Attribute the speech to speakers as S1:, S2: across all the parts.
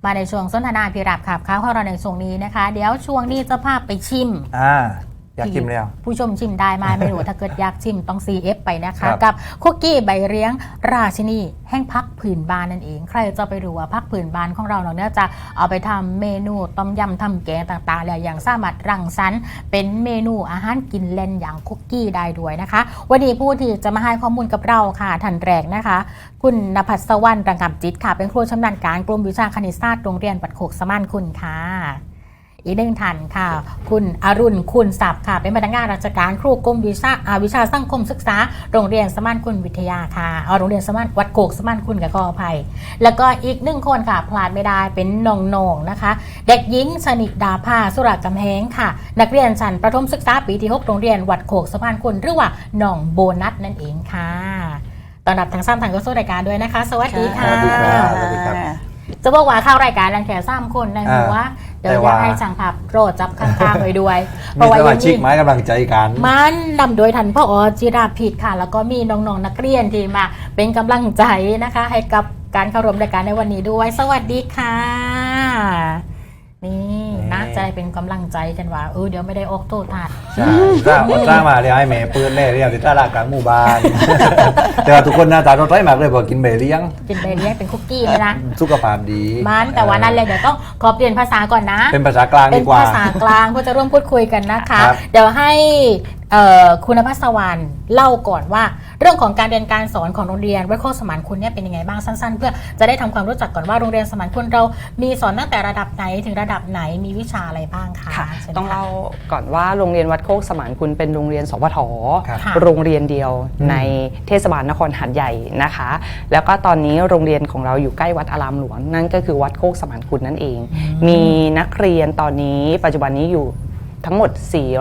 S1: มาในช่วงสนทนาพิรับขับข้าวของเราในช่วงนี้นะคะเดี๋ยวช่วงนี้จะพาไปชิม
S2: อยากชิมแล้ว
S1: ผู้ชมชิมได้ไหมไม่รู้ถ้าเกิดอยากชิมต้อง CF ไปนะคะกับคุกกี้ใบเลี้ยงราชินีแห่งพักผืนบ้านนั่นเองใครจะไปรู้ว่าพักผืนบ้านของเราเนี่ยจะเอาไปทำเมนูต้มยำทำแกงต่างๆแล้วอย่างสามารถรังสรรค์เป็นเมนูอาหารกินเล่นอย่างคุกกี้ได้ด้วยนะคะวันนี้ผู้ที่จะมาให้ข้อมูลกับเราค่ะท่านแรกนะคะคุณณภัสวรรณ ระงับจิตค่ะเป็นครูชำนาญการกลุ่มวิชาคณิตศาสตร์โรงเรียนวัดโคกสมานคุณค่ะอีกหนึ่งท่านค่ะคุณอรุณคุณศัพท์ค่ะเป็นพนักงานราชการครูกรมวิชาสังคมศึกษาโรงเรียนสมานคุณวิทยาค่ะโรงเรียนสมานวัดโคกสมานคุณกับขออภัยแล้วก็อีกหนึ่งคนค่ะพลาดไม่ได้เป็นน้องๆนะคะเด็กหญิงชนิดาภาสุรกำแหงค่ะนักเรียนชั้นประถมศึกษาปีที่6โรงเรียนวัดโคกสมานคุณหรือว่าน้องโบนัสนั่นเองค่ะตอนรับทางซ้ำทางก็สู้รายการด้วยนะคะสวัสดีค่ะ
S2: สวัสดีครับ
S1: จะบอกว่าเข้ารายการรังแค่3คนในหัวเดี๋ยวอยากให้ช่างภาพโปรดจับข้างๆด้วย
S2: มีสมาชิกไม้กำลังใจกัน
S1: มันนำโดยท่านผอ.จิราภิษฐ์ค่ะแล้วก็มีน้องๆนักเรียนที่มาเป็นกำลังใจนะคะให้กับการเข้าร่วมรายการในวันนี้ด้วยสวัสดีค่ะนี่น่าจะเป็นกำลังใจกันว่าเดี๋ยวไม่ได้ออกโทษทัด
S2: ใช่สร้างมาเรียกให้แม่ปืนเล่เรียกติดตลาดกลางหมู่บ้านแต่ทุกคนหน้าตาเราใสมากเลยบอกกินเบเลี้ยง
S1: เป็นคุกกี้เลยนะ
S2: สุขภาพดี
S1: มันแต่ว่านั่นเลยเดี๋ยวต้องขอเปลี่ยนภาษาก่อนนะ
S2: เป็นภาษากลางดีกว่า
S1: เป็นภาษากลางเพื่อจะร่วมพูดคุยกันนะคะเดี๋ยวให้คุณณภัสวรรณเล่าก่อนว่าเรื่องของการเรียนการสอนของโรงเรียนวัดโคกสมานคุณเนี่ยเป็นยังไงบ้างสั้นๆเพื่อจะได้ทำความรู้จักก่อนว่าโรงเรียนสมานคุณเรามีสอนตั้งแต่ระดับไหนถึงระดับไหนมีวิชาอะไรบ้างคะ
S3: ต้องเล่าก่อนว่าโรงเรียนวัดโคกสมานคุณเป็นโรงเรียนสพทโรงเรียนเดียวในเทศบาลนครหาดใหญ่นะคะแล้วก็ตอนนี้โรงเรียนของเราอยู่ใกล้วัดอารามหลวงนั่นก็คือวัดโคกสมานคุณนั่นเองมีนักเรียนตอนนี้ปัจจุบันนี้อยู่ทั้งหมด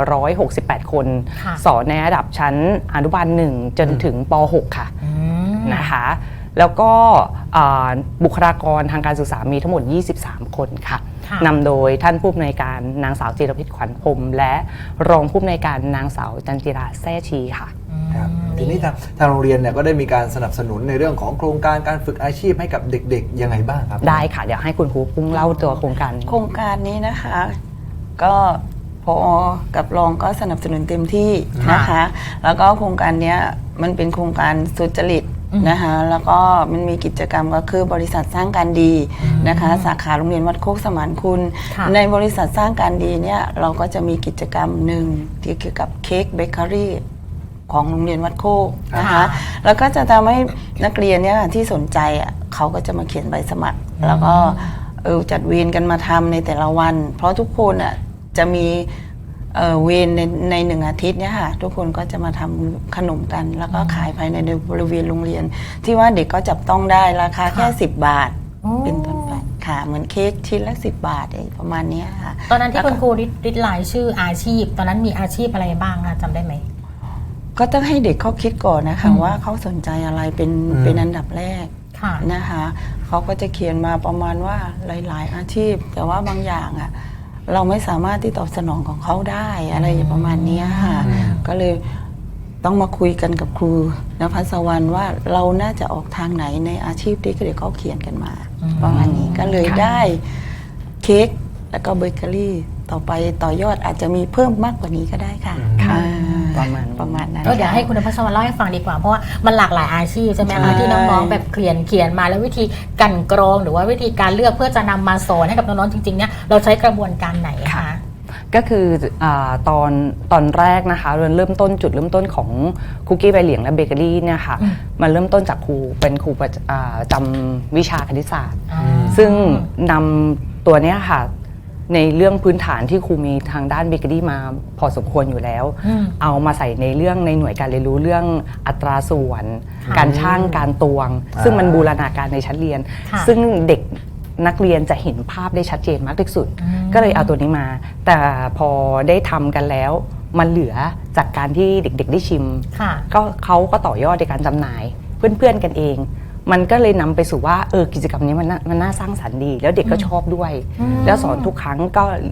S3: 468คนสอนในระดับชั้นอนุบาล1จนถึงป .6 ค่ะนะคะแล้วก็บุคลากรทางการศึกษามีทั้งหมด23คนค่ะนำโดยท่านผู้อำนวยการนางสาวจิรพิษขวัญพรมและรองผู้อำนวยการนางสาวจันจิราแซ่ชีค่ะ
S2: ทีนี้ทางโรงเรียนเนี่ยก็ได้มีการสนับสนุนในเรื่องของโครงการการฝึกอาชีพให้กับเด็กๆยังไงบ้างครับ
S3: ได้ค่ะเดี๋ยวให้คุณครูปุ้งเล่าตัวโครงการ
S4: นี้นะคะก็พอกับรองก็สนับสนุนเต็มที่นะคะแล้วก็โครงการนี้มันเป็นโครงการสุจริตนะคะแล้วก็มันมีกิจกรรมก็คือบริษัทสร้างการดีนะคะสาขาโรงเรียนวัดโคกสมานคุณในบริษัทสร้างการดีเนี่ยเราก็จะมีกิจกรรมหนึ่งที่เกี่ยวกับเค้กเบเกอรี่ของโรงเรียนวัดโคกนะคะแล้วก็จะทำให้นักเรียนเนี่ยที่สนใจเขาก็จะมาเขียนใบสมัครแล้วก็จัดเวรกันมาทำในแต่ละวันเพราะทุกคนจะมีเวรใน1 อาทิตย์เนี่ยค่ะทุกคนก็จะมาทำขนมกันแล้วก็ขายภายในบริเวณโรงเรียนที่ว่าเด็กก็จับต้องได้ราคาแค่10 บาทเป็นต้นไปค่ะเหมือนเค้กชิ้นละ10 บาทประมาณนี้ค่ะ
S1: ตอนนั้นที่คุณครูริดรายชื่ออาชีพตอนนั้นมีอาชีพอะไรบ้างคะจำได้ไหม
S4: ก็ต้องให้เด็กเขาคิดก่อนนะคะว่าเขาสนใจอะไรเป็นอันดับแรกนะคะเขาก็จะเขียนมาประมาณว่าหลายๆอาชีพแต่ว่าบางอย่างเราไม่สามารถที่ตอบสนองของเขาได้อะไรประมาณนี้ค่ะก็เลยต้องมาคุยกันกับครูณภัสวรรณว่าเราน่าจะออกทางไหนในอาชีพที่เด็กเขาเขียนกันมาประมาณนี้ก็เลยได้เค้กแล้วก็เบเกอรี่ต่อไปต่อยอดอาจจะมีเพิ่มมากกว่านี้ก็ได้ค่ะประมาณนั้น
S1: ก็เดี๋ยวให้คุณณภัสวรรณเล่าให้ฟังดีกว่าเพราะว่ามันหลากหลายอาชีพใช่ไหมคะที่น้องๆแบบเขียนมาแล้ววิธีกันกรองหรือว่าวิธีการเลือกเพื่อจะนำมาสอนให้กับน้องๆจริงๆเนี่ยเราใช้กระบวนการไหนคะ
S3: ก็คือตอนแรกนะคะจุดเริ่มต้นของคุกกี้ใบเหลียงและเบเกอรี่เนี่ยค่ะมันเริ่มต้นจากครูเป็นครูจำวิชาคณิตศาสตร์ซึ่งนำตัวเนี้ยค่ะในเรื่องพื้นฐานที่ครูมีทางด้านเบเกอรี่มาพอสมควรอยู่แล้วเอามาใส่ในเรื่องในหน่วยการเรียนรู้เรื่องอัตราส่วนการช่างการตวงซึ่งมันบูรณาการในชั้นเรียนซึ่งเด็กนักเรียนจะเห็นภาพได้ชัดเจนมากที่สุดก็เลยเอาตัวนี้มาแต่พอได้ทำกันแล้วมันเหลือจากการที่เด็กๆได้ชิมก็เขาก็ต่อยอดในการจำหน่ายเพื่อนๆกันเองมันก็เลยนำไปสู่ว่ากิจกรรมนี้มันน่าสร้างสรรค์ดีแล้วเด็กก็ชอบด้วยแล้วสอนทุกครั้งก็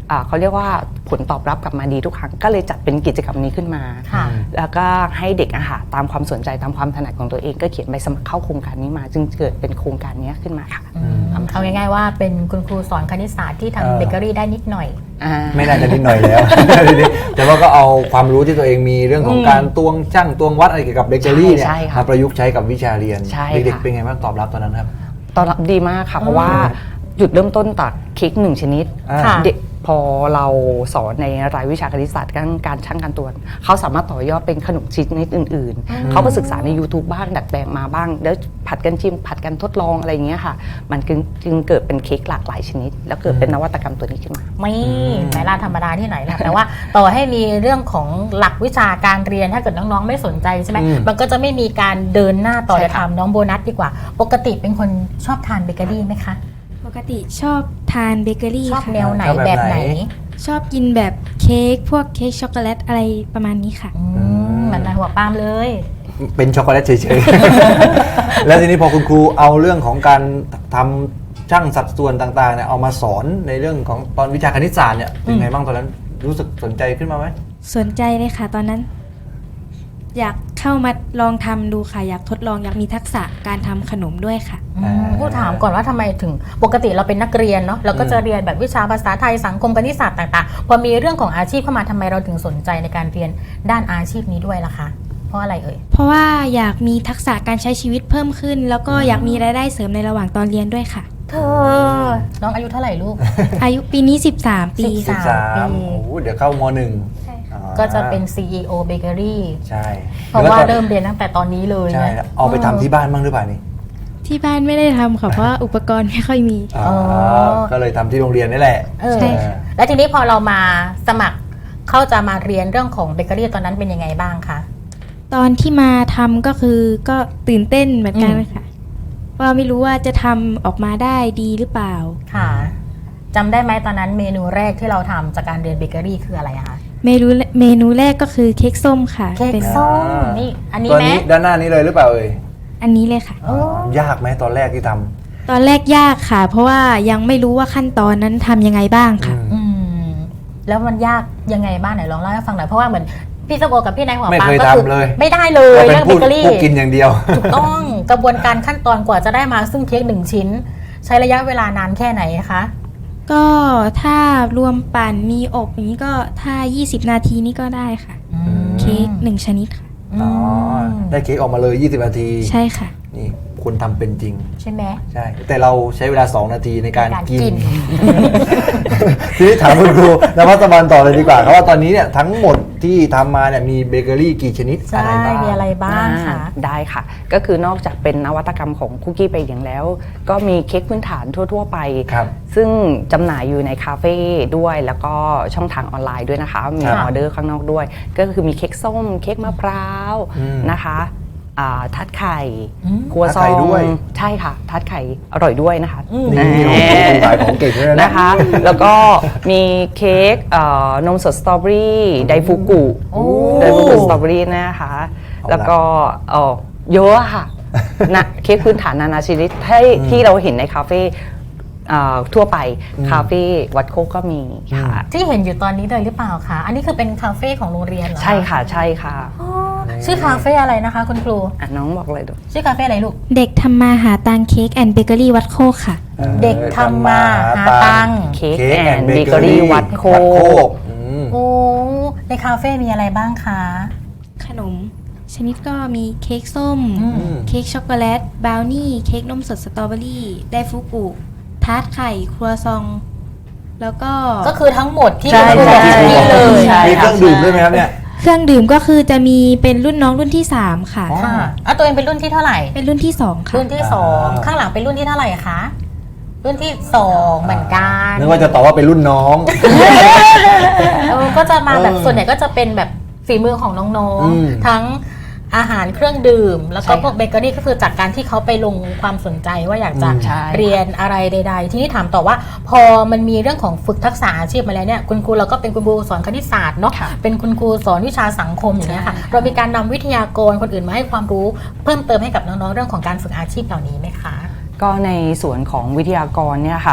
S3: เขาเรียกว่าผลตอบรับกลับมาดีทุกครั้งก็เลยจัดเป็นกิจกรรมนี้ขึ้นมา
S1: ค่ะ
S3: แล้วก็ให้เด็กตามความสนใจตามความถนัดของตัวเองก็เขียนใบสมัครเข้าโครงการนี้มาจึงเกิดเป็นโครงการนี้ขึ้นมาค่ะ
S1: เอาง่ายๆว่าเป็นคุณครูสอนคณิตศาสตร์ที่ทำเบเกอรี่ได้นิดหน่อย
S2: ไม่น่าจะนิดหน่อยแล้ว แต่ว่าก็เอาความรู้ที่ตัวเองมีเรื่องของการตวงช่างตวงวัดอะไรเกี่ยวกับเบเกอรี่เนี่ย
S3: ใช่ค่ะ
S2: มาประยุกต์ใช้กับวิชาเรียน
S3: ใช่
S2: เด็ก
S3: ค่ะ
S2: ๆเป็นไงบ้างตอบรับตอนนั้นครับ
S3: ตอนรับดีมากค่ะ เพราะว่าจุดเริ่มต้นจากเค้ก1 ชนิด
S1: ค่ะ
S3: เด็กพอเราสอนในรายวิชาคณิตศาสตร์การช่างการตวงเขาสามารถต่อยอดเป็นขนมชนิดอื่นๆ เขาก็ศึกษาใน YouTube บ้างดัดแปลงมาบ้าง แล้วผัดกันชิมผัดกันทดลองอะไรอย่างเงี้ยค่ะ มันจึงเกิดเป็นเค้กหลากหลายชนิด แล้วเกิดเป็นนวัตกรรมตัวนี้ขึ้นมา
S1: ไม่ไม่ล่าธรรมดาที่ไหนล่ะแต่ว่าต่อให้มีเรื่องของหลักวิชาการเรียนถ้าเกิดน้องๆไม่สนใจใช่ไหมมันก็จะไม่มีการเดินหน้าต่อ
S3: ใช่
S1: จะ
S3: ค่ะ
S1: ทำน้องโบนัสดีกว่า ปกติเป็นคนชอบทานเบเกอรี่ไหมคะ
S5: ปกติชอบทานเบเกอรี่
S1: ชอบ
S5: ค่ะ
S1: แนวไหน
S2: ชอบแบบ
S1: แบบไหน
S2: ไหน
S5: ชอบกินแบบเค้กพวกเค้กช็อกโกแลตอะไรประมาณนี้ค่ะ
S1: เหมือนนายหัวปาล์มเลย
S2: เป็นช็อกโกแลตเฉยๆ แล้วทีนี้พอคุณครูเอาเรื่องของการทำช่างสัดส่วนต่างๆเนี่ยเอามาสอนในเรื่องของตอนวิชาคณิตศาสตร์เนี่ยเป็นไงบ้างตอนนั้นรู้สึกสนใจขึ้นมาไหม
S5: สนใจเลยค่ะตอนนั้น อยากเข้ามาลองทำดูค่ะ อยากทดลองอยากมีทักษะการทำขนมด้วยค่ะ
S1: ผู้ถามก่อนว่าทำไมถึงปกติเราเป็นนักเรียนเนาะเราก็จะเรียนแบบวิชาภาษาไทยสังคมคณิตศาสตร์ต่างๆพอมีเรื่องของอาชีพเข้ามาทำไมเราถึงสนใจในการเรียนด้านอาชีพนี้ด้วยล่ะคะเพราะอะไรเอ่ย
S5: เพราะว่าอยากมีทักษะการใช้ชีวิตเพิ่มขึ้น แล้วก็อยากมีรายได้เสริมในระหว่างตอนเรียนด้วยค่ะ
S1: เธอน้องอายุเท่าไหร่ลูก
S5: อายุปีนี้ 13 ปี
S1: 13
S5: ค่ะ
S1: ปี
S2: โอ้โหเดี๋ยวเข้ามหนึ่ง
S5: ใช่ค่ะ
S1: ก็จะเป็น CEO Bakery
S2: ใช่
S1: เพราะว่า
S2: แล้วตอน
S1: เริ่มเรียนตั้งแต่ตอนนี้เลย
S2: ใช่
S1: นะ
S2: แล้วเอาไปทำที่บ้านบ้างหรือเปล่านี่
S5: ที่บ้านไม่ได้ทำค่ะเพราะว่าอุปกรณ์ไม่ค่อยมี
S2: อ๋อก็เลยทำที่โรงเรียนนี่แหละ
S1: เออ
S5: ใช่ค่ะ
S1: แล้วทีนี้พอเรามาสมัครเข้าจะมาเรียนเรื่องของเบเกอรี่ตอนนั้นเป็นยังไงบ้างคะ
S5: ตอนที่มาทำก็คือก็ตื่นเต้นเหมือนกันค่ะว่าไม่รู้ว่าจะทำออกมาได้ดีหรือเปล่า
S1: ค่ะจำได้ไหมตอนนั้นเมนูแรกที่เราทำจากการเรียนเบเกอรี่คืออะไรอะคะ
S5: เมนูแรกก็คือเค้กส้มค่ะ
S1: เค้ก
S5: เป็น
S1: ส้มนี่อันนี้
S2: ตัว
S1: ไหม
S2: นี้ด้านหน้านี้เลยหรือเปล่าเอ่ย
S5: อันนี้เลยค่ะ
S2: ยากไหมตอนแรกที่ทำ
S5: ตอนแรกยากค่ะ เพราะว่ายังไม่รู้ว่าขั้นตอนนั้นทำยังไงบ้างค่ะ
S1: อืมแล้วมันยากยังไงบ้างไหนลองเล่าให้ฟังหน่อยเพราะว่าเหมือนพี่สโกกับพี่นายหัว
S2: ไม่
S1: ปา
S2: เค
S1: ล์ม
S2: ย
S1: ก็คือ
S2: ทำเลย
S1: ไม่ได้เลย
S2: เราเป็
S1: เรื่อน งเบ
S2: ผู้
S1: เกอรี่
S2: ผู้กินอย่างเดียว
S1: ถูกต้องกระบวนการขั้นตอนกว่าจะได้มาซึ่งเค้ก1 ชิ้น ใช้ระยะเวลานานแค่ไหนคะ
S5: ก็ถ้ารวมปั่นมีอบอย่างนี้ก็ถ้า 20 นาทีนี่ก็ได้ค่ะ เค้ก1 ชนิดค่ะ
S2: อ๋อ ได้เค้กออกมาเลย 20 นาที
S5: ใช่ค่ะ
S2: นี่คุณทำเป็นจริง
S1: ใช่ไหม
S2: ใช่ แต่เราใช้เวลา 2 นาทีในการ
S1: ในการกิ
S2: กิน
S1: น
S2: ทีนี้ถามคุณครูนภัสบาลต่อเลยดีกว่าเพราะว่าตอนนี้เนี่ยทั้งหมดที่ทำมาเนี่ยมีเบเกอรี่กี่ชนิด
S1: ใช่
S2: อะไรบ้าง
S1: มีอะไรบ้างคะ
S3: ได้ค่ะ ก็คือนอกจากเป็นนวัตกรรมของคุกกี้ไปอย่างแล้ว ก็มีเค้กพื้นฐานทั่ว ๆ ไป
S2: ครับ
S3: ซึ่งจำหน่ายอยู่ในคาเฟ่ด้วย แล้วก็ช่องทางออนไลน์ด้วยนะคะ มี
S2: ครับ
S3: ออเดอร์ข้างนอกด้วย ก็คือมีเค้กส้ม เค้กมะพร้าว
S2: อืม
S3: นะคะทัดไข่
S1: อืม
S3: ครัวซ
S2: ทัด
S3: อ
S2: ไข่
S3: ง
S2: ด้วย
S3: ใช่ค่ะ ทัดไข่อร่อยด้วยนะคะ
S2: นี่โอ้โหคุณขายของเก่งเลยนะ
S3: นะคะ แล้วก็มีเค้กนมสดสตรอเบอรี่ไดฟูกุ
S1: โอ้
S3: ไดฟูกุสตรอเบอรี่นะคะ แล้วก็เยอะอะค่ะนะเค้กพื้นฐานนานาชนิดที่เราเห็นในคาเฟ่ทั่วไปคาเฟ่วัดโคกก็มีค่ะ
S1: ที่เห็นอยู่ตอนนี้เลยหรือเปล่าคะอันนี้คือเป็นคาเฟ่ของโรงเรียนเหรอ
S3: ใช่ค่ะใช่ค่ะ
S1: อ๋อชื่อคาเฟ่อะไรนะคะคุณครู
S3: น้องบอกเลยดู
S1: ชื่อคาเฟ่อะไรลูก
S5: เด็กทำมาหาตังเค้กแอนด์เบเกอรี่วัดโคกค่ะ
S1: เด็กทำมาหาตังค์
S3: เค้กแอนด์เบเกอรี่วัดโคก
S1: โอ้ในคาเฟ่มีอะไรบ้างคะ
S5: ขนม ชนิดก็มีเค้กส้ม เค้กช็อกโกแลตบราวนี่เค้กนมสดสตรอเบอรี่ไดฟูกุทาร์ตไข่ครัวซอง แล้วก็
S1: ก็คือทั้งหมดที่
S3: ใช่
S1: คุณครูบอก
S3: ใช่
S1: นี่เลย
S3: ใช่
S2: มีเครื่องดื่มด้วยไหมครับเนี่ย
S5: เครื่องดื่มก็คือจะมีเป็นรุ่นน้องรุ่นที่ 3 ค่ะ
S1: ค่ะอ่ะตัวเองเป็นรุ่นที่เท่าไหร่
S5: เป็นรุ่นที่ 2 ค่ะ
S1: รุ่นที่สองข้างหลังเป็นรุ่นที่เท่าไหร่คะ รุ่นที่2เหมือนกัน
S2: นึกว่าจะตอบว่าเป็นรุ่นน้อง
S1: ก็จะมาแบบส่วนใหญ่ก็จะเป็นแบบฝีมือของน้อง
S2: อืม
S1: ๆ ทั้งอาหารเครื่องดื่ม แล้วก็
S3: ใช่ค่ะ
S1: พวกเบเกอรี่ก็คือจากการที่เขาไปลงความสนใจว่าอยากจะ
S3: ใช่
S1: เรียนอะไรใด ๆ ทีนี้ถามต่อว่า พอมันมีเรื่องของฝึกทักษะอาชีพมาแล้วเนี่ยคุณครูเราก็เป็นคุณครูสอนคณิตศาสตร์เนาะ
S3: ค่ะ
S1: เป็นคุณครูสอนวิชาสังคมอย่างเงี้ยค่ะ
S3: ใช่
S1: เรามีการนำวิทยากรคนอื่นมาให้ความรู้เพิ่มเติมให้กับน้องๆเรื่องของการฝึกอาชีพเหล่านี้ไหมคะ
S3: ก็ในส่วนของวิทยากรเนี่ยค่ะ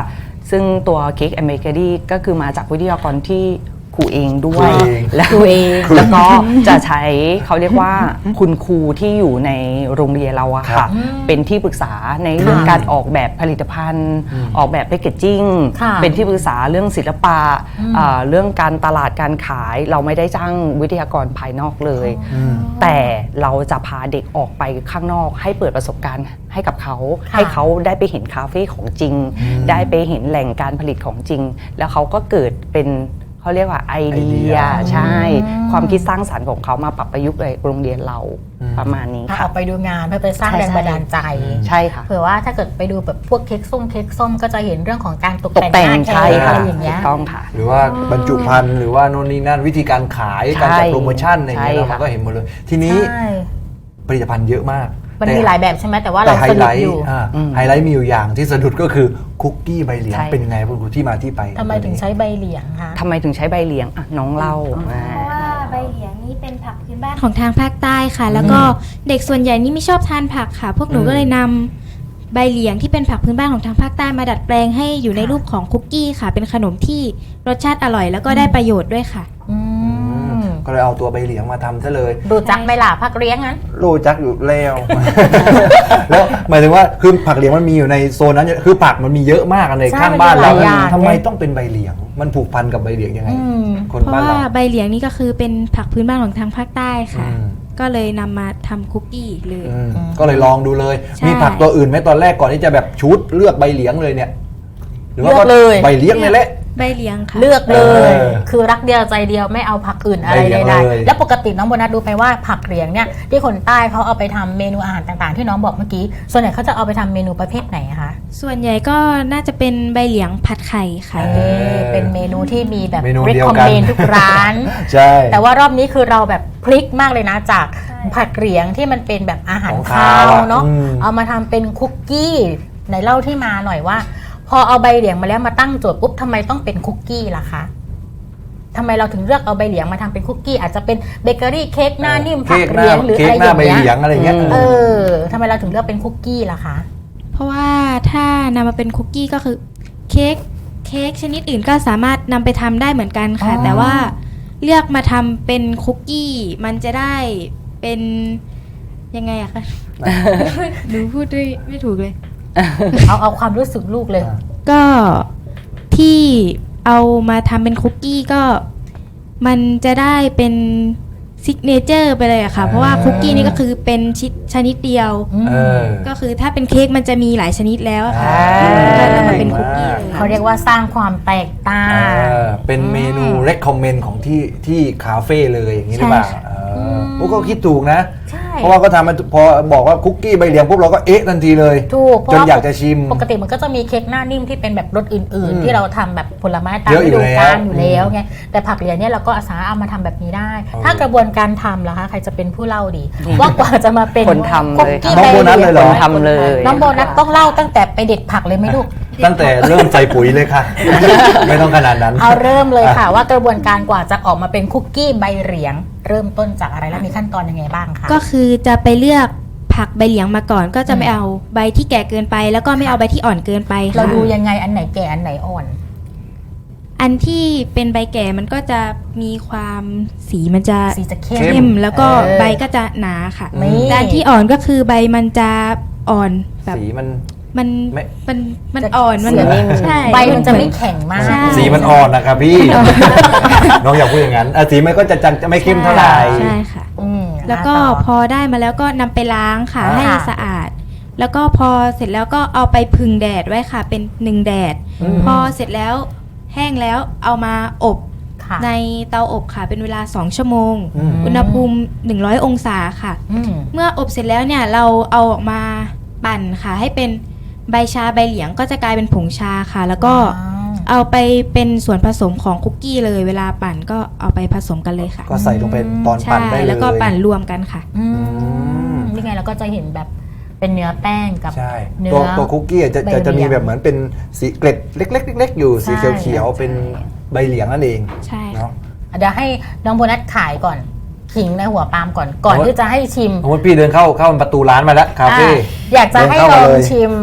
S3: ซึ่งตัวเค้กแอนด์เบเกอรี่ก็คือมาจากวิทยากรที่ครูเองด้ว
S2: ครู
S3: ย
S2: เอง
S3: แล้วแล้วก็จะใช้เขาเรียกว่าคุณครูที่อยู่ในโรงเรียนเราอะ
S2: ครั
S3: ค่ะ
S2: บ
S3: เป็นที่ปรึกษาในเรื่องการออกแบบผลิตภัณฑ์ ออกแบบแพคเกจจิ้ง
S1: ค่ะ
S3: เป็นที่ปรึกษาเรื่องศิลปะเรื่องการตลาดการขายเราไม่ได้จ้างวิทยากรภายนอกเลย แต่เราจะพาเด็กออกไปข้างนอกให้เปิดประสบการณ์ให้กับเขา
S1: ค่ะ
S3: ให้เขาได้ไปเห็นคาเฟ่ของจริง ได้ไปเห็นแหล่งการผลิตของจริง แล้วเขาก็เกิดเป็นเขาเรียกว่าไอเดียใช่ ความคิดสร้างสรรค์ของเขามาปรับประยุกต์ในโรงเรียนเราประมาณนี้
S1: อ
S3: ค่ะ
S1: อกไปดูงานเพื่อไปสร้าง
S3: ใช่
S1: แรงบันดาลใจ
S3: ใช่ค่ะ
S1: เผื่อว่าถ้าเกิดไปดูแบบพวกเค้กส้มก็จะเห็นเรื่องของการตก
S3: ตกแต่ง
S1: หน้า
S3: ใช่
S1: เค้ก
S3: ค่ะ
S1: อะไรอย่างเงี้ย
S3: ถูกต้องค่ะ
S2: หรือว่าบรรจุภัณฑ์หรือว่าโน่นนี่นั่นวิธีการขาย
S3: ใช่
S2: การจัดโปรโมชั่นอะไรอย่างเงี้ย
S3: ใช่
S2: เรา
S3: ค่ะ
S2: ก็เห็นหมดเลย ทีนี้
S1: ใช่
S2: ผลิตภัณฑ์เยอะมาก
S1: มันมีหลายแบบใช่ไหมแต่ว่า
S2: แต่
S1: เรา
S2: ไฮ
S1: ส
S2: ไล
S1: นุก
S2: ท์
S1: อยู่
S2: ไฮไลท์มีอยู่อย่างที่สะดุดก็คือคุกกี้ใบเหลียง
S3: ใช่
S2: เป็นยังไงคุณครูที่มาที่ไป
S1: ทำไมถึงใช้ใบเหลียงคะ
S3: ทำไมถึงใช้ใบเหลียงอ่ะน้องเล่า
S5: เพราะว่าใบเหลียงนี่เป็นผักพื้นบ้านของทางภาคใต้ค่ะ แล้วก็เด็กส่วนใหญ่นี่ไม่ชอบทานผักค่ะ พวกหนูก็เลยนำใบเหลียงที่เป็นผักพื้นบ้านของทางภาคใต้มาดัดแปลงให้อยู่ในรูปของคุกกี้ค่ะ เป็นขนมที่รสชาติอร่อย แล้วก็ได้ประโยชน์ด้วยค่ะ
S1: อืม
S2: ก็เลยเอาตัวใบเหลียงมาทำซะเลย
S1: ดูจักไหม่ล่ะพักเลี้ยงงั้น
S2: รู้จักอยู่แล้ว แล้วหมายถึงว่าคือผักเหลียงมันมีอยู่ในโซนนั้นคือผักมันมีเยอะมากใน
S1: ใช่
S2: ข้างบ้านเรา
S1: มันมีหลายอย่าง
S2: ทำไมต้องเป็นใบเหลียง มันผูกพันกับใบเหลียงยังไง
S1: อืม
S2: คน
S5: เพราะ
S2: บ้าน
S5: ว่า
S2: เรา
S5: ใบเหลียงนี่ก็คือเป็นผักพื้นบ้านของทางภาคใต้ค่ะ
S2: อืม
S5: ก็เลยนำมาทำคุกกี้เลย
S2: ก็เลยลองดูเลย
S5: ใช่
S2: มีผักตัวอื่นไหมตอนแรกก่อนที่จะแบบชุดเลือกใบเหลียงเลยเนี่ย หรือว่า
S1: เลือกเลย
S2: ใบเหลียงนี่แหละ
S5: ใบเหลียงค่ะ
S1: เลือกเลย
S2: เออ
S1: คือรักเดียวใจเดียวไม่เอาผักอื่นอะไร
S2: ใบเหลียง
S1: ใด
S2: เลย
S1: ๆแล้วปกติน้องโบนัสดูไปว่าผักเหลียงเนี่ยที่คนใต้เขาเอาไปทำเมนูอาหารต่างๆ ที่น้องบอกเมื่อกี้ส่วนใหญ่เขาจะเอาไปทำเมนูประเภทไหนคะ
S5: ส่วนใหญ่ก็น่าจะเป็นใบเหลียงผัดไข่ค่ะ
S1: เป็นเมนูที่มีแบบ
S2: เมนู
S1: รี
S2: เดียว
S1: คอม
S2: กัน
S1: เมนทุกร้าน
S2: ใช่
S1: แต่ว่ารอบนี้คือเราแบบพลิกมากเลยนะจากผัดเหลียงที่มันเป็นแบบอาหาร
S2: ของ
S1: คา
S2: คาว วอะ
S1: เนาะ
S2: อืม
S1: เอามาทำเป็นคุกกี้ไหนเล่าที่มาหน่อยว่า พอเอาใบเหลียงมาแล้วมาตั้งโจทย์ปุ๊บทำไมต้องเป็นคุกกี้ล่ะคะทำไมเราถึงเลือกเอาใบเหลียงมาทำเป็นคุกกี้อาจจะเป็นเบเกอรี่เค้กหน้านิ่มผักเหลียงหรือ
S2: เค้
S1: อะ
S2: ก
S1: ไร
S2: ห
S1: อ
S2: น้า
S1: ย่าง
S2: ใบ
S1: เงี้
S2: เหลีย
S1: ย
S2: งอะไรอย่างเงี้ย
S1: เออทำไมเราถึงเลือกเป็นคุกกี้ล่ะคะ
S5: เพราะว่าถ้านำมาเป็นคุกกี้ก็คือเค้กชนิดอื่นก็สามารถนำไปทำได้เหมือนกันค่ะ
S1: อ๋อ
S5: แต่ว่าเลือกมาทำเป็นคุกกี้มันจะได้เป็นยังไงอะคะ หนูพูดด้วยไม่ถูกเลย
S1: เอาความรู้สึกลูกเลย
S5: ก็ที่เอามาทำเป็นคุกกี้ก็มันจะได้เป็นซิกเนเจอร์ไปเลยอะค่ะ เพราะว่าคุกกี้นี่ก็คือเป็นชนิดเดียว
S2: เออ
S5: ก็คือถ้าเป็นเค้กมันจะมีหลายชนิดแล้วอะค่ะ
S2: อ่า
S5: ก็นำมาเป็นคุกกี้เลย
S1: เขาเรียกว่าสร้างความแตกต่าง
S2: เป็นเมนู recommend ของที่คาเฟ่เลยอย่างนี้หรือเปล่า
S5: ใช่ค่ะ
S2: พวกก็คิดถูกนะ
S1: ใช่
S2: เพราะว่าก็ทำมาพอบอกว่าคุกกี้ใบเหลียงปุ๊บเราก็เอ๊ะทันทีเลย
S1: ถูกเพ
S2: จ
S1: ราะ
S2: น
S1: ว่า
S2: อยากจะชิม
S1: ปกติมันก็จะมีเค้กหน้านิ่มที่เป็นแบบรสอื่น
S2: อืม
S1: ๆ ที่เราทำแบบผลไม้ตาม
S2: เยอะ
S1: ฤ
S2: อยู่
S1: ดูกาล
S2: แล้ว
S1: อยู่แล้วไงแต่ผักเหลียงเนี่ยเราก็อาสาเอามาทำแบบนี้ได้ ถ้ากระบวนการทำล่ะคะใครจะเป็นผู้เล่าดี ว่ากว่าจะมาเป็น
S3: คนทำเลย
S1: คุกกี้
S2: น้องโบนัสเลยเหรอ
S3: ทำเลย
S1: น้องโบนัสต้องเล่าตั้งแต่ไปเด็ดผักเลยไหมลูก
S2: ตั้งแต่เริ่มใส่ปุ๋ยเลยค่ะ ไม่ต้องขนาดนั้น
S1: เอาเริ่มเลยค่ะ ว่ากระบวนการกว่าจะออกมาเป็นคุกกี้ใบเหลียง เริ่มต้นจากอะไรและมีขั้นตอนยังไงบ้างคะ
S5: ก็คือจะไปเลือกผักใบเหลียงมาก่อน ก็จะไม่เอาใบที่แก่เกินไป แล้วก็ไม่เอาใบที่อ่อนเกินไปค่ะ
S1: เราดูยังไงอันไหนแก่อันไหนอ่อน
S5: อันที่เป็นใบแก่มันก็จะมีความสีมันจะ
S1: สีจะเข้ม
S5: เข้มแล้วก็
S1: เออ
S5: ใบก็จะหนาค่ะ
S1: นี่
S5: ด้านที่อ่อนก็คือใบมันจะอ่อนแบบ
S2: สีมัน
S5: มัน
S2: ไม่
S5: มันอ่อนมัน
S1: สีนิ่ม
S5: ใช่
S1: ใบมันจะไม่แข็งมาก
S5: ใช่
S2: สีมันอ่อนนะครับพี่ น้องอย่าพูดอย่างนั้นสีมันก็จะไม่เข้มเท่าไหร่
S5: ใช่ค่ะ
S1: อืม
S5: แล้วก็
S1: ต่อ
S5: พอได้มาแล้วก็นำไปล้างค่ะ
S2: อ่า
S5: ให้สะอาด แล้วก็พอเสร็จแล้วก็เอาไปพึ่งแดดไว้ค่ะ เป็น1แดด พอเสร็จแล้วแห้งแล้วเอามาอบ
S1: ค่ะ
S5: ในเตาอบค่ะ เป็นเวลา2ชั่วโมง
S2: อืม
S5: อุณหภูมิ100องศาค่ะ
S1: อืม
S5: เมื่ออบเสร็จแล้วเนี่ยเราเอาออกมาปั่นค่ะ ให้เป็นใบชาใบเหลียงก็จะกลายเป็นผงชาค่ะ แล้วก็
S1: ว้าว
S5: เอาไปเป็นส่วนผสมของคุกกี้เลย เวลาปั่นก็เอาไปผสมกันเลยค่ะ
S2: ก็ใส่ลงไปตอนปั่น
S5: ใช่
S2: ได้เลย
S5: แล้วก็ปั่นรวมกันค่ะ
S1: อืม
S2: ม
S1: นี่ไงเราก็จะเห็นแบบเป็นเนื้อแป้งกับ
S2: ใช่
S1: เนื้
S2: ตัวคุกกี้จะ
S1: ใบเหลียง
S2: จะมีแบบเหมือนเป็นสีเกล็ดเล็กๆๆอยู่สี
S1: ใช่
S2: เขียวๆเป็นใบเหลียงนั่นเอง
S5: ใช่ค่ะ
S2: เนาะ
S1: เดี๋ยวให้น้องโบนัสขายก่อนขิงในหัวปาล์มก่อนที่จะให้ชิม
S2: สมมติพี่เดินเข้าประตูร้านมาแล้วคาเฟ่
S1: อยากจะให้ลองชิม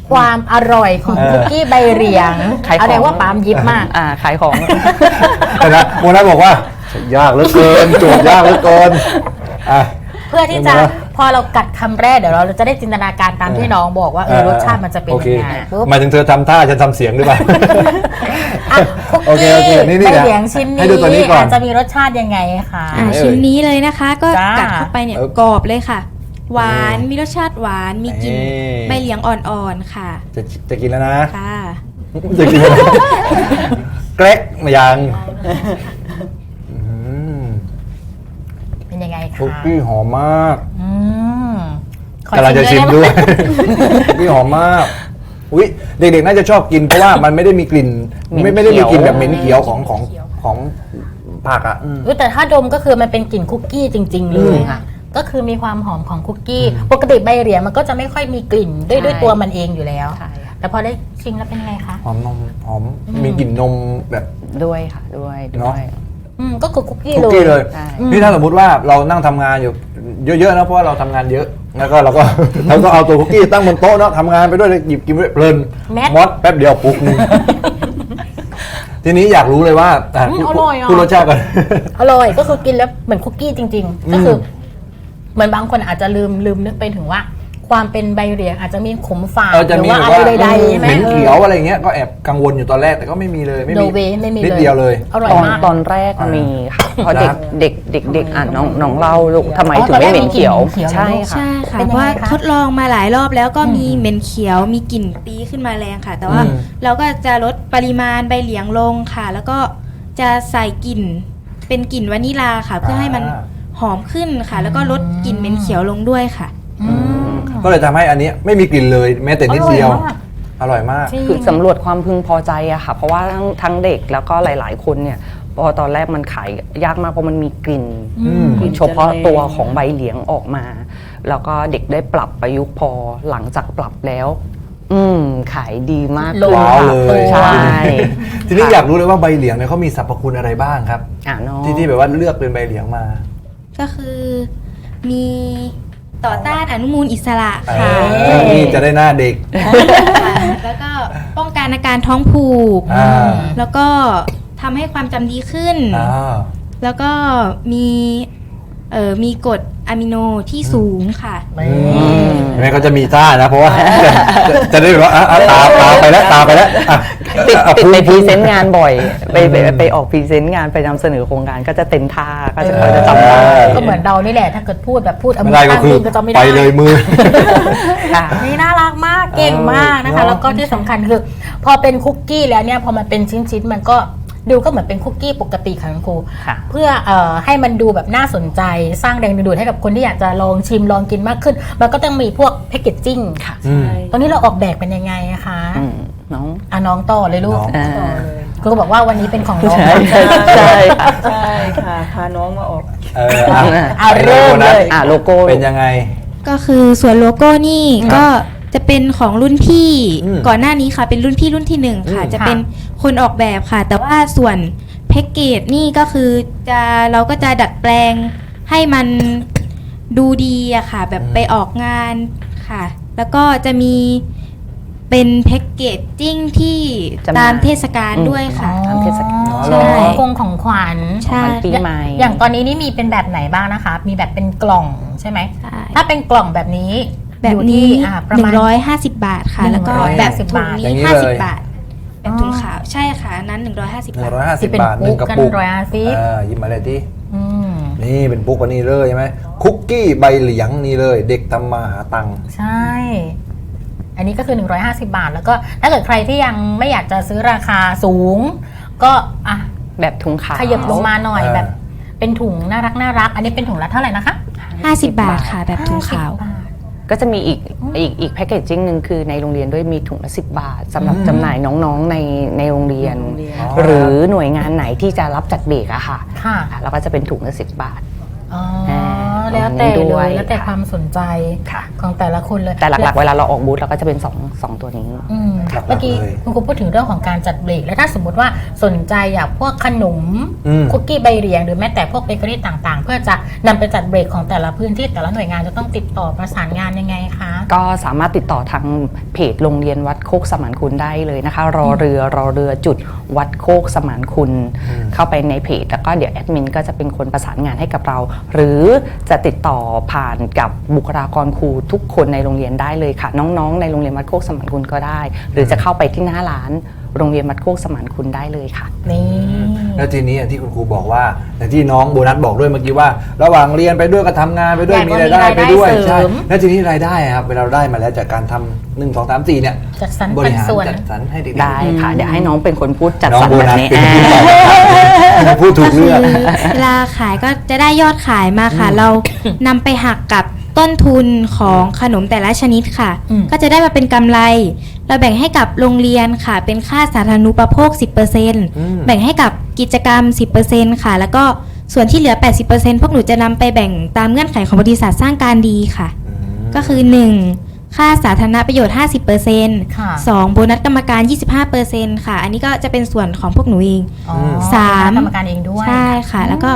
S1: ความอร่อยของคุกกี้ใบเหลียง
S3: ขายของ
S1: อะไรว่าปามยิบมาก
S3: ขายของ
S2: แต่นะโมนัสบอกว่า ยากเหลือเกินโจทย์ยากเหลือเกินอ่ะ
S1: เพื่อที่จะ
S2: เห็นไหม
S1: พอเรากัดคำแรกเดี๋ยวเราจะได้จินตนาการตามที่น้องบอกว่าเออรสชาติมันจะเป็น
S2: โอเค
S1: ยังไงปุ๊บ
S2: หมายถึงเธอทำท่าฉันทำเสียงหรือเปล่า
S1: อ่ะคุก
S2: โอเค
S1: กี้
S2: โอเคนี่
S1: ใบ
S2: นะ
S1: เหลียงชิ้น
S2: ให้ดูตัวนี้
S1: นี้
S2: ก่อน
S1: อาจจะมีรสชาติยังไงคะ
S2: ไหนเอ่ย
S5: ชิ้นนี้เลยนะคะ ก็
S1: จ้ากั
S5: กัดเข้าไปเนี่ย
S2: เออก
S5: รอบเลยค่ะ หวานมีรสชาติหวานมีกลิ่น
S2: นี่
S5: ใบเหลียงอ่อนๆค่ะ
S2: จะกินแล้วนะ
S5: ค่ะ
S2: จะกินแล้วนะเกรกมายังอืม
S1: เป็นยังไงคะ
S2: คุกกี้หอมมาก
S1: อืมขอก
S2: ำลังจะชิม
S1: ไไห
S2: ด้วย คุกกี้หอมมากอุ้ยเด็กๆน่าจะชอบกินเพราะว่ามันไม่ได้มีกลิ่น
S3: เหม็น
S2: ไม่ได้มีกลิ่น
S3: เขียว
S2: แบบเหม็นเขียวของผักอ่ะ
S1: อุ๊ยแต่ถ้าดมก็คือมันเป็นกลิ่นคุกกี้จริง ๆ เลย
S3: ค่ะ
S1: ก็คือมีความหอมของคุกกี้ ปกติใบเหลียงมันก็จะไม่ค่อยมีกลิ่นด้วยตัวมันเองอยู่แล้ว
S3: ใช่ค่ะ
S1: แต่พอได้ชิมแล้วเป็นไงคะ
S2: หอมนมหอมมีกลิ่นนมแบบ
S3: ด้วยค่ะด้วย
S2: เนอะ
S1: ก็คือคุกกี้
S2: คุกกี้เลย
S3: ใช่
S2: นี่ถ้าสมมุติว่าเรานั่งทำงานอยู่เยอะๆนะเพราะว่าเราทำงานเยอะแล้วก็เราก็ เราก็เอาตัวคุกกี้ตั้งบนโต๊ะเนาะทำงานไปด้วยหยิบกินไปด้วยเพลินมอดแป๊บเดียวปุ๊กนึง ทีนี้อยากรู้เลยว่าพูดรสชาติก่อน
S1: อร่อยก็คือกินแล้วเหมือนคุกกี้จริง ๆ ก็คือเหมือนบางคนอาจจะลืมนึกไปถึงว่า ความเป็นใบเหลียงอาจจะมีขมฝาด
S2: จะ
S1: หรือ
S2: มี
S1: ว่า
S2: แบบ
S1: อะไร
S2: ว่า
S1: ใดๆใช่ไหม
S2: เหม็นเขียวอะไรเงี้ยก็แอบกังวลอยู่ตอนแรกแต่ก็ไม่มีเลยไม่
S1: โน
S2: มี
S1: เวไม่มี
S2: นิดเดียวเลย
S1: อร่อยมาก
S3: ตอนแรกมีค่ะ เพราะ
S2: ครับ
S3: เด็กอ่ะน้องเล่าลูกทำไม
S1: อ๋อ
S3: ถึงไม่เหม็นเขียว
S1: ตอนแรกมีกลิ่นเขียว
S3: ใช่ค่ะ
S5: ใช่ค่ะ
S1: เป็น
S5: เพ
S1: ยังไง
S5: ราะว่า
S1: คะ
S5: ทดลองมาหลายรอบแล้วก็มีเหม็นเขียวมีกลิ่นตีขึ้นมาแรงค่ะ แต่ว่า
S2: อืม
S5: เราก็จะลดปริมาณใบเหลียงลงค่ะ แล้วก็จะใส่กลิ่นเป็นกลิ่นวานิลาค่ะ เพื่อให้มันหอมขึ้นค่ะ แล้วก็ลดกลิ่นเหม็นเขียวลงด้วยค่ะ
S2: ก็เลยทำให้อันนี้ไม่มีกลิ่นเลยแม้แต่นิดเดียว อร่อยมาก
S1: จริง
S3: คือสำรวจความพึงพอใจอะค่ะ เพราะว่าทั้งเด็กแล้วก็หลาย ๆ คนเนี่ยพอตอนแรกมันขายยากมากเพราะมันมีกลิ่นเฉพาะตัวของใบเหลียงออกมา แล้วก็เด็กได้ปรับประยุกต์พอหลังจากปรับแล้ว ขายดีมาก
S1: ลง
S2: ว้าวเลย
S3: ใช่
S2: ทีนี้อยากรู้เลยว่าใบเหลียงเนี่ยเขามีสรรพคุณอะไรบ้างครับ
S3: น้อง
S2: ที่แบบว่าเลือกเป็นใบเหลียงมา
S5: ก็คือมีต่อต้านอนุมูลอิสระค่ะ
S2: นี่จะได้หน้าเด็ก
S5: แล้วก็ป้องกันอาการท้องผูก
S2: อ่า
S5: แล้วก็ทำให้ความจำดีขึ้น แล้วก็มีกรดอะมิโนที่สูงค่ะ
S2: เห็นไหมเขาจะมีท่านะ เพราะว่า จะได้แบบว่าตาไปแล้วตาไปแล้วอ่ะ
S3: ติด
S2: อ่ะ
S3: ในพรีเซนต์
S2: พูด
S3: งานบ่อย ไปออกพรีเซนต์งานไปนำเสนอโครงการก็จะเต็มท่าก็จะจำได้
S1: ก็เหมือนเรานี่แหละ ถ้าเกิดพูดแบบพูดเอา
S2: ไม่
S1: มือ
S2: ได้ก็
S1: ข้าง
S2: คือ
S1: นึงก็จะไม่
S2: ไป
S1: ได้
S2: เลยมือ
S3: ค่ะ
S1: นี่น่ารักมากเก่งมากนะคะ
S2: เนอะ
S1: แล้วก็ที่สำคัญคือ พอเป็นคุกกี้แล้วเนี่ยพอมันเป็นชิ้นๆมันก็ดูก็เหมือนเป็นคุกกี้ปกติค่ะคุณครู
S3: ค่ะ
S1: เพื่อให้มันดูแบบน่าสนใจสร้างแรงดึงดูดให้กับคนที่อยากจะลองชิมลองกินมากขึ้น มันก็ต้องมีพวกแพคเกจจิ้ง
S3: ค่ะ
S1: ตอนนี้เราออกแบบเป็นยังไงอะคะ
S3: น้อง
S1: น้องต่อเลยลูก
S2: น้อง
S3: อ่า
S1: ครูก็บอกว่าวันนี้เป็นของน้อง
S3: ใช่ค่ะ
S4: ใช่ค่ะพาน้องมาออก
S1: เอาเริ่มเลย
S3: โลโก้
S2: เป็นยังไง
S5: ก็คือส่วนโลโก้นี่ก็จะเป็นของรุ่นพี่
S2: อืม
S5: ก่อนหน้านี้ค่ะ เป็นรุ่นพี่รุ่นที่หนึ่งค่ะ จะเป็นคนออกแบบค่ะ แต่ว่าส่วนแพ็กเกจนี่ก็คือเราก็จะดัดแปลงให้มันดูดีอะค่ะ แบบไปออกงานค่ะ แล้วก็จะมีเป็นแพ็กเกจจิ้งที่
S3: จำหน่าย
S5: ตามเทศกาลด้วยค่ะ
S3: ตามเทศกาล
S1: อ๋อ
S5: ใช่
S1: ของกงของขวัญ
S5: ใช่
S3: ของปีใหม่
S1: อย่างตอนนี้นี่มีเป็นแบบไหนบ้างนะคะ มีแบบเป็นกล่องใช่ไหม
S5: ใช่
S1: ถ้าเป็นกล่องแบบนี้
S5: แบบ
S1: อยู่
S5: นี้
S1: ที่ประมาณ
S5: 150 บาทค่ะ แล้วก็
S1: 150
S5: แบบถุง
S1: บาท
S2: อย่างนี้
S5: นี้
S2: เลย
S5: 50 บาท แบบถุงขาวใช่ค่ะอันนั้น 150 บาท
S2: 150
S1: ที่เป็น
S2: บาทหนึ่งกระปุก
S1: ปุ๊กกัน150
S2: หยิบมาเลยที่
S1: อืม
S2: นี่เป็นปุ๊กวันนี้เลยใช่ไหมคุกกี้ใบเหลียงนี่เลย เด็กทำมาหาตังค์
S1: ใช่ อันนี้ก็คือ 150 บาท แล้วก็ถ้าเกิดใครที่ยังไม่อยากจะซื้อราคาสูง ก็อ่ะ
S3: แบบถุงขาว
S1: ขยับลงมาหน่อย
S2: อ่า
S1: แบบเป็นถุงน่ารัก อันนี้เป็นถุงละเท่าไหร่นะคะ
S5: 50 บาทค่ะ แบบถุงขาว
S1: 50 บาท
S3: ก็จะมีอีกแพคเกจจิ้งหนึ่งคือในโรงเรียนด้วยมีถุงละ10 บาทสำหรับจำหน่ายน้องๆในโรงเรียน หรือหน่วยงานไหนที่จะรับจัดเบรกอะค่ะ
S1: ค่ะ
S3: แล้วก็จะเป็นถุงละ10 บาท
S1: อ๋อแล้วแต่
S3: ด้
S1: เล
S3: วย
S1: แล้วแต่ความสนใจ
S3: ค่ะ
S1: ของแต่ละคนเลย
S3: แต่หลักๆเวลาเราออกบูธเราก็จะเป็นสองตัวนี้
S1: อืม
S2: หลักๆ
S1: เมื่อกี้
S2: เลย
S1: คุณครูพูดถึงเรื่องของการจัดเบรกแล้วถ้าสมมติว่าสนใจอยากพวกขนม
S2: อืม
S1: คุกกี้ใบเหลียงหรือแม้แต่พวกเบเกอรี่ต่างๆ เพื่อจะนำไปจัดเบรกของแต่ละพื้นที่แต่ละหน่วยงานจะต้องติดต่อประสานงานยังไงคะ
S3: ก็สามารถติดต่อทางเพจโรงเรียนวัดโคกสมานคุณได้เลยนะคะ รอเรือจุดวัดโคกสมานคุณ เข้าไปในเพจแล้วก็เดี๋ยวแอดมินก็จะเป็นคนประสานงานให้กับเรา หรือจะติดต่อผ่านกับบุคลากรครูทุกคนในโรงเรียนได้เลยค่ะ น้องๆในโรงเรียนวัดโคกสมานคุณก็ได้ หรือจะเข้าไปที่หน้าร้านโรงเรียนวัดโคกสมานคุณได้เลยค่ะ
S1: นี่
S2: แล้วทีนี้อย่างที่คุณครูบอกว่าอย่างที่น้องโบนัสบอกด้วยเมื่อกี้ว่า ระหว่างเรียนไปด้วยก็ทำงานไปด้วย
S1: อยาก
S2: มีรายได้ไปด้วย
S1: มีรายได้เสริม
S2: ใช่แล้วทีนี้รายได้อะครับเวลาเราได้มาแล้วจากการทำ1 2 3 4เนี่ย
S1: จัดสรร
S2: บ
S1: ปั
S2: ริ
S1: น
S2: หาร
S1: ส่วน
S2: จัดสรรให้เด็กๆ
S3: ได้ค่ะ เดี๋ยวให้น้องเป็นคนพูดจัด
S2: น้อง
S3: สรร
S2: โบ
S3: แบบ
S2: นัส
S3: นี้
S2: เป็นผู้ตอบนะครับพูดถูกเรื่อง
S5: เวลาขายก็จะได้ยอดขายมาค่ะ เรานำไปหักกับต้นทุนของขนมแต่ละชนิดค่ะ
S1: อืม
S5: ก็จะได้มาเป็นกำไร เราแบ่งให้กับโรงเรียนค่ะ เป็นค่าสาธารณูปโภค 10%แบ่งให้กับกิจกรรม 10%ค่ะ แล้วก็ส่วนที่เหลือ 80%พวกหนูจะนำไปแบ่งตามเงื่อนไขของบริษัทสร้างการดีค่ะ ก็คือ 1. ค่าสาธารณประโยชน์ 50%
S1: ค่ะ
S5: 2. โบนัสกรรมการ 25%ค่ะ อันนี้ก็จะเป็นส่วนของพวกหนูเอง
S1: อ๋อ
S5: สาม
S1: กรรมการเองด้วย
S5: ใช่ค่ะ แล้วก็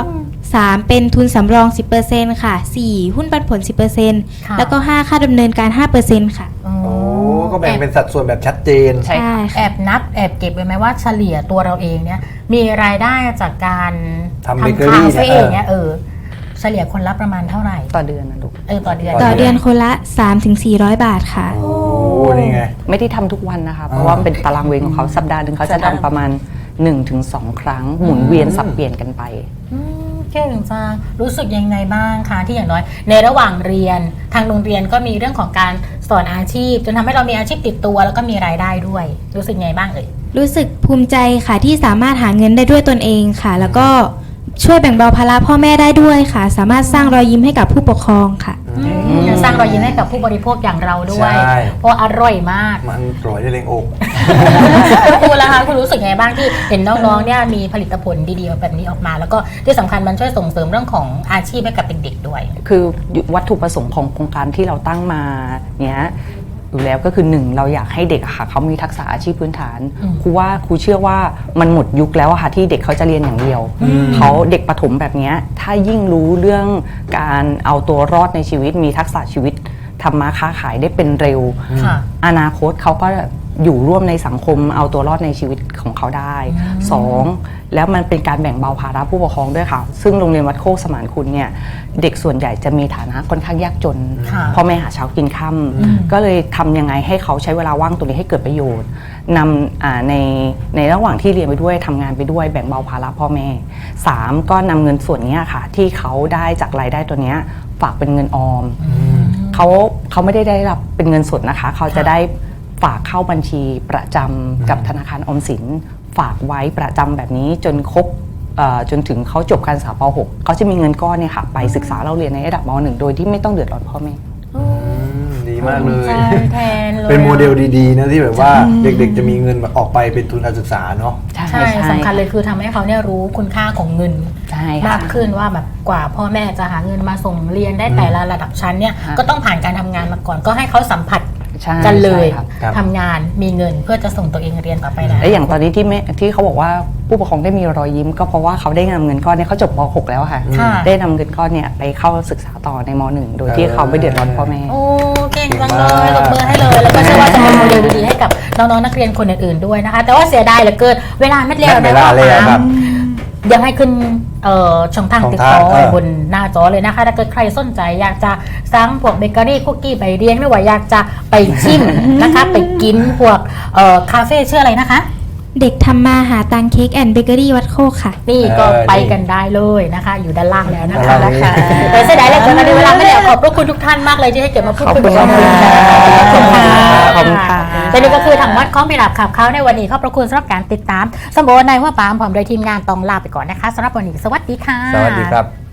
S5: 3 เป็นทุนสำรอง 10%ค่ะ 4 หุ้นปันผล 10%
S1: ค่ะ
S5: แล้วก็ 5 ค่าดำเนินการ 5%ค่ะ
S1: อ๋อ
S2: โอ้ก็แบ่งเป็นสัดส่วนแบบชัดเจน
S3: ใช่ค่ะ
S1: แอบนับแอบเก็บไว้ไหมว่าเฉลี่ยตัวเราเองเนี่ยมีรายได้จากการ
S2: ทำเบเกอรี่
S1: คาเฟ่
S2: เนี่ย
S1: เนี่ยเฉลี่ยคนรับประมาณเท่าไหร่
S3: ต่อเดือนนะลูก
S1: ต่อเดือน
S5: ต่อเดือนคนละ 3-400 บาทค่ะ
S2: โอ้นี่ไง
S3: ไม่ได้ทำทุกวันนะคะ เพราะว่าเป็นตารางเวรของเขาสัปดาห์หนึ่งเขาจะทำประมาณ 1-2 ครั้ง หมุนเวียนสับเปลี่ยนกันไป
S1: เก่งจังรู้สึกยังไงบ้างคะที่อย่างน้อย ในระหว่างเรียนทางโรงเรียนก็มีเรื่องของการสอนอาชีพ จนทำให้เรามีอาชีพติดตัวแล้วก็มีรายได้ด้วย รู้สึกไงบ้างเอ่ย
S5: รู้สึกภูมิใจค่ะที่สามารถหาเงินได้ด้วยตนเองค่ะ แล้วก็ช่วยแบ่งเบาภาระพ่อแม่ได้ด้วยค่ะ สามารถสร้างรอยยิ้มให้กับผู้ปกครองค่ะ
S1: สร้างรอยยิ้มให้กับผู้บริโภคอย่างเราด้วย
S2: ใช่
S1: เพราะอร่อยมาก
S2: มันปล่อยได้เลงอก
S1: คุณครูล่ะคะคุณรู้สึกไงบ้างที่เห็นน้องๆเนี่ยมีผลิตผลดีๆแบบนี้ออกมา แล้วก็ที่สำคัญมันช่วยส่งเสริมเรื่องของอาชีพให้กับเด็กๆด้วย
S3: คือวัตถุประสงค์ของโครงการที่เราตั้งมาเนี้ยอยู่แล้วก็คือหนึ่งเราอยากให้เด็กอะค่ะเขามีทักษะอาชีพพื้นฐานครูเชื่อว่ามันหมดยุคแล้วอะค่ะที่เด็กเขาจะเรียนอย่างเดียวเขาเด็กประถมแบบเนี้ยถ้ายิ่งรู้เรื่องการเอาตัวรอดในชีวิตมีทักษะชีวิตทำมาค้าขายได้เป็นเร็ว
S1: ค่ะ
S3: อนาคตเขาก็อยู่ร่วมในสังคมเอาตัวรอดในชีวิตของเขาได้สองแล้วมันเป็นการแบ่งเบาภาระผู้ปกครองด้วยค่ะซึ่งโรงเรียนวัดโคกสมานคุณเนี่ยเด็กส่วนใหญ่จะมีฐานะค่อนข้างยากจน
S1: ค่ะ
S3: พ่อแม่หาเช้ากินค่ำก็เลยทำยังไงให้เขาใช้เวลาว่างตรงนี้ให้เกิดประโยชน์นำในระหว่างที่เรียนไปด้วยทำงานไปด้วยแบ่งเบาภาระพ่อแม่สามก็นำเงินส่วนนี้ค่ะที่เขาได้จากรายได้ตัวเนี้ยฝากเป็นเงินออมเขาไม่ได้รับเป็นเงินสดนะคะเขาจะได้ฝากเข้าบัญชีประจำกับธนาคารออมสินฝากไว้ประจำแบบนี้จนครบจนถึงเขาจบการศึกษาป .6 เขาจะมีเงินก้อนเนี่ยค่ะไปศึกษาเราเรียนในระดับม .1 โดยที่ไม่ต้องเดือดร้อนพ่อแม่
S2: ดีมากเลย
S1: ใช่แทนเลย
S2: เป็นโมเดลดีๆนะที่แบบว่าเด็กๆจะมีเงินออกไปเป็นทุนการศึกษาเนาะ
S1: ใช่สำคัญเลยคือทำให้เขาเนี่ยรู้คุณค่าของเงิน
S3: ใช่
S1: มา
S3: ค่ะ
S1: กขึ้นว่าแบบกว่าพ่อแม่จะหาเงินมาส่งเรียนได้แต่ละระดับชั้นเนี่ย
S3: ค่ะ
S1: ก็ต้องผ่านการทำงานมาก่อนก็ให้เขาสัมผัส
S3: ใช่
S1: กันเลย
S3: ใช่ครับ
S2: ครับ
S1: ทำงานมีเงินเพื่อจะส่งตัวเองเรียนต่อไปนะ
S3: และอย่างตอนนี้ที่เขาบอกว่าผู้ปกครองได้มีรอยยิ้มก็เพราะว่าเขาได้นำเงินก้อนเนี่ยเขาจบป .6 แล้วค่ะ
S1: ค่ะ
S3: ได้นำเงินก้อนเนี่ยไปเข้าศึกษาต่อในม .1 โดยที่เขาไม่เดือดร้อนพ่อแม่
S1: โอ้เก่งจังเลยตบมือให้เลยแล้วก็เชื่อว่าจะเป็นโมเดลดีๆให้กับน้องๆนักเรียนคนอื่นๆด้วยนะคะ แต่ว่าเสียดายเหลือเกินเวลาไม่เร็ว
S2: เว
S1: นะ
S2: ลาแล้วครับ
S1: เดี๋ยวให้ขึ้นช่องทางติดต่อ
S2: ช่องทาง
S1: บนหน้าจอเลยนะคะถ้าเกิดใครสนใจอยากจะสั่งพวกเบเกอรี่คุกกี้ใบเรียงหรือว่าอยากจะไปชิมนะคะ ไปกินพวกคาเฟ่ชื่ออะไรนะคะ
S5: เด็กทำมาหาตังเค้กแอนด์เบเกอรี่วัดโคกค่ะ
S1: นี่ก็
S2: นี่
S1: ไปกันได้เลยนะคะ อยู่ด้านล่างแล้วนะคะ
S2: ด้านล่างนี้
S1: แต่เสียดายเหลยเกินในเวลาไม่ได้ขอบพระคุณทุกท่านมากเลยที่ให้เกียรติมาพูดคุย
S3: ขอบคุณ
S1: กัน
S3: ค่ะ
S1: ขอบคุณค่ะ
S3: ขอบคุณค่ะ
S1: และนี่ก็คือทางวัดข้อมพิรับขับเขาในวันนี้ขอบพระคุณสำหรับการติดตามสมบูรณ์ในหัวปามพร้อมโดยทีมงานต้องลาไปก่อนนะคะสำหรับวันนี้สวัสดีค่ะ
S2: สวัสดีครับ